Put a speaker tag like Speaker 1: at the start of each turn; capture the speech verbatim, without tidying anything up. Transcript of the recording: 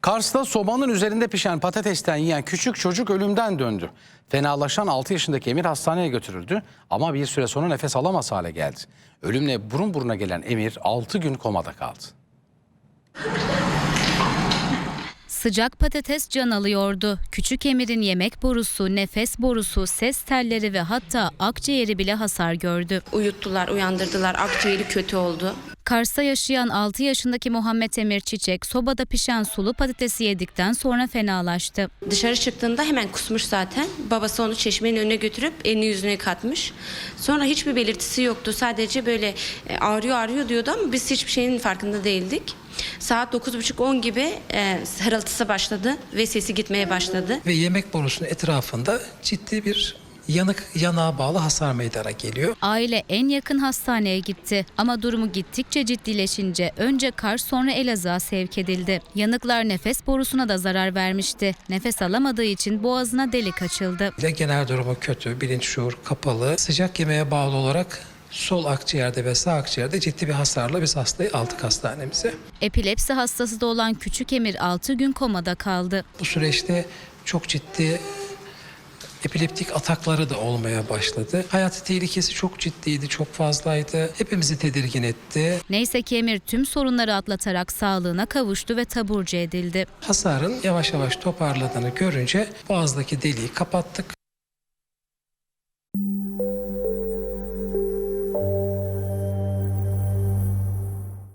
Speaker 1: Kars'ta sobanın üzerinde pişen patatesten yiyen küçük çocuk ölümden döndü. Fenalaşan altı yaşındaki Emir hastaneye götürüldü ama bir süre sonra nefes alamaz hale geldi. Ölümle burun buruna gelen Emir altı gün komada kaldı.
Speaker 2: Sıcak patates can alıyordu. Küçük Emir'in yemek borusu, nefes borusu, ses telleri ve hatta akciğeri bile hasar gördü.
Speaker 3: Uyuttular, uyandırdılar. Akciğeri kötü oldu.
Speaker 2: Kars'ta yaşayan altı yaşındaki Muhammed Emir Çiçek sobada pişen sulu patatesi yedikten sonra fenalaştı.
Speaker 3: Dışarı çıktığında hemen kusmuş zaten. Babası onu çeşmenin önüne götürüp elini yüzüne katmış. Sonra hiçbir belirtisi yoktu. Sadece böyle ağrıyor ağrıyor diyordu ama biz hiçbir şeyin farkında değildik. Saat dokuz buçuk on gibi e, hırıltısı başladı ve sesi gitmeye başladı.
Speaker 4: Ve yemek borusunun etrafında ciddi bir yanık yanağa bağlı hasar meydana geliyor.
Speaker 2: Aile en yakın hastaneye gitti ama durumu gittikçe ciddileşince önce Kars sonra Elazığ'a sevk edildi. Yanıklar nefes borusuna da zarar vermişti. Nefes alamadığı için boğazına delik açıldı.
Speaker 4: Genel durumu kötü, bilinç şuur kapalı. Sıcak yemeğe bağlı olarak sol akciğerde ve sağ akciğerde ciddi bir hasarla biz hastayı aldık hastanemize.
Speaker 2: Epilepsi hastası da olan küçük Emir altı gün komada kaldı.
Speaker 4: Bu süreçte çok ciddi epileptik atakları da olmaya başladı. Hayati tehlikesi çok ciddiydi, çok fazlaydı. Hepimizi tedirgin etti.
Speaker 2: Neyse ki Emir tüm sorunları atlatarak sağlığına kavuştu ve taburcu edildi.
Speaker 4: Hasarın yavaş yavaş toparladığını görünce boğazdaki deliği kapattık.